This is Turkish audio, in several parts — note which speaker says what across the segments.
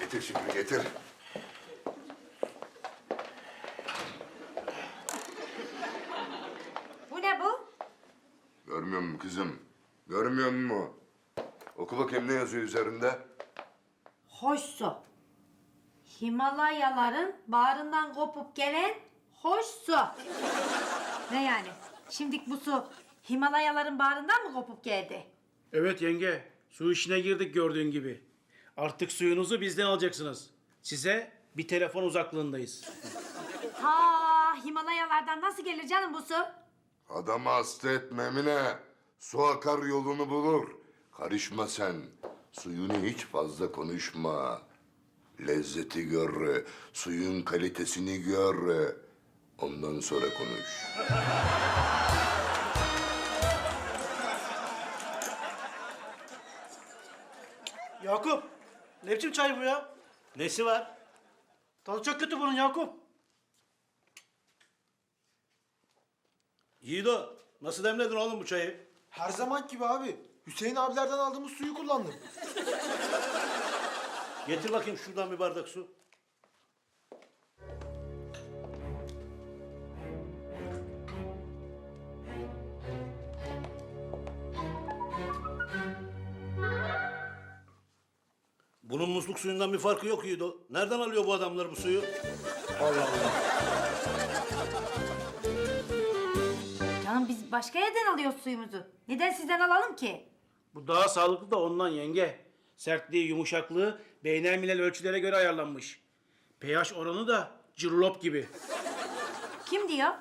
Speaker 1: Getir Şükrü, getir.
Speaker 2: Bu ne bu?
Speaker 1: Görmüyor musun kızım? Görmüyor musun? Oku bakayım ne yazıyor üzerinde?
Speaker 2: Hoş su. Himalayaların bağrından kopup gelen hoş su. Ne yani? Şimdilik bu su Himalayaların bağrından mı kopup geldi?
Speaker 3: Evet yenge, su işine girdik gördüğün gibi. Artık suyunuzu bizden alacaksınız. Size bir telefon uzaklığındayız.
Speaker 2: Ha, Himalayalardan nasıl gelir canım bu su?
Speaker 1: Adamı hasta etme Emine. Su akar yolunu bulur. Karışma sen. Suyunu hiç fazla konuşma. Lezzeti gör, suyun kalitesini gör. Ondan sonra konuş.
Speaker 3: Yakup, ne biçim çay bu ya?
Speaker 4: Nesi var?
Speaker 3: Tadı çok kötü bunun Yakup.
Speaker 4: Yiğido, nasıl demledin oğlum bu çayı?
Speaker 5: Her zaman gibi abi. Hüseyin abilerden aldığımız suyu kullandım.
Speaker 4: Getir bakayım şuradan bir bardak su. Bunun musluk suyundan bir farkı yok Yiğido. Nereden alıyor bu adamlar bu suyu? Allah Allah.
Speaker 2: Canım biz başka yerden alıyoruz suyumuzu. Neden sizden alalım ki?
Speaker 3: Bu daha sağlıklı da ondan yenge. Sertliği, yumuşaklığı beynelmilel ölçülere göre ayarlanmış. pH oranı da cirlop gibi.
Speaker 2: Kim diyor?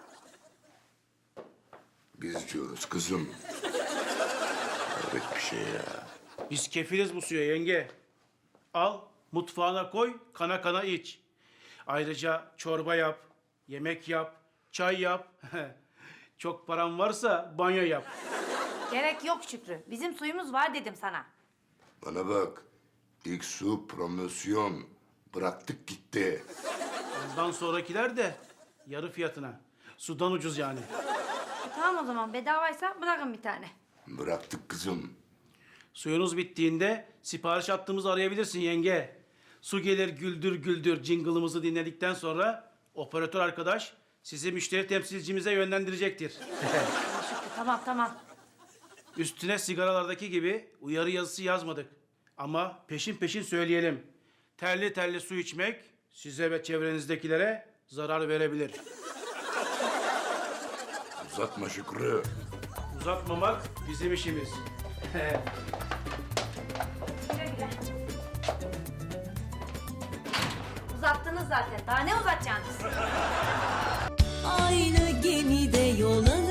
Speaker 1: Biz diyoruz kızım. Evet bir şey ya.
Speaker 3: Biz kefiliz bu suya yenge. Al, mutfağına koy, kana kana iç. Ayrıca çorba yap, yemek yap, çay yap. Çok paran varsa banyo yap.
Speaker 2: Gerek yok Şükrü. Bizim suyumuz var dedim sana.
Speaker 1: Bana bak. İlk su promosyon. Bıraktık gitti.
Speaker 3: Ondan sonrakiler de yarı fiyatına. Sudan ucuz yani.
Speaker 2: Tamam o zaman bedavaysa bırakın bir tane.
Speaker 1: Bıraktık kızım.
Speaker 3: Suyunuz bittiğinde sipariş attığımızı arayabilirsin yenge. Su gelir güldür güldür jingle'ımızı dinledikten sonra operatör arkadaş sizi müşteri temsilcimize yönlendirecektir.
Speaker 2: Şükrü tamam.
Speaker 3: Üstüne sigaralardaki gibi uyarı yazısı yazmadık. Ama peşin peşin söyleyelim. Terli terli su içmek size ve çevrenizdekilere zarar verebilir.
Speaker 1: Uzatma Şükrü.
Speaker 3: Uzatmamak bizim işimiz.
Speaker 2: Güle güle. Uzattınız zaten. Daha ne uzatacaksınız?
Speaker 6: Aynı gemide yol alır.